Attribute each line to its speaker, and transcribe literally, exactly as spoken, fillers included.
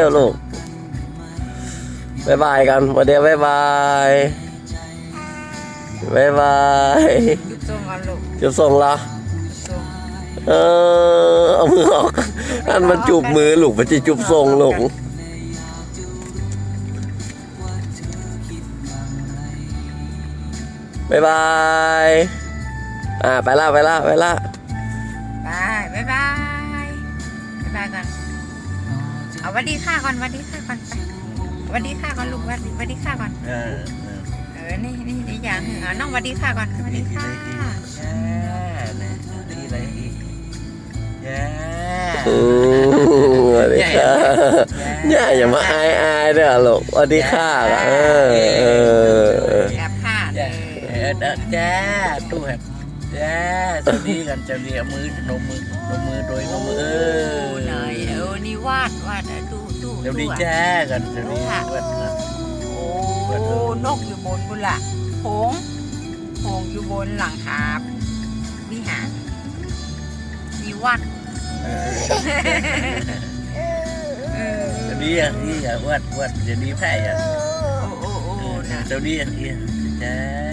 Speaker 1: อลูกบายบายกันวันเดียวบายบายบายบายจุบส่งกันลูกจุบส่งละเออเอามือออกอันมันจูบมือลูกมันจะจูบส่งลูกบายบายอ่าไปละไปละไปละ
Speaker 2: บายบายบายบายบายก่อนเอาวันดีค่าก่อนวันดีค่าก่อนไปวันดีค่าก่อนลูกวันดีวันดีค่าก่อนเออเออนี่นี่นี่อย่างหนึ่งเอาน้องวันดีค่าก่อนวันดีค่า
Speaker 3: ดีเลยแย่
Speaker 1: สวัสดีค่ะเนี่ยอย่ามาอายอายเด้อลูกสวัสดีค่ะเออเออ
Speaker 2: แอบผ้า
Speaker 3: แย่แย่ตู้แฮะแย่สวัสดีกันจะเรียมือนมมือนมมือโดยนมมือเออ
Speaker 2: หน่อยเออนี่วาดวาดตู้ตู้
Speaker 3: เดี๋ยวดีแย่กันจะดีวาดนะ
Speaker 2: โอ้นกอยู่บนบุละหงหงอยู่บนหลังคาวิหารมีวัด
Speaker 3: จะดีอย่างนี้อย่าวาดวาดจะดีแพ้อย่าง
Speaker 2: โอ้โอ้โอ้
Speaker 3: จะดีอย่างนี้แย่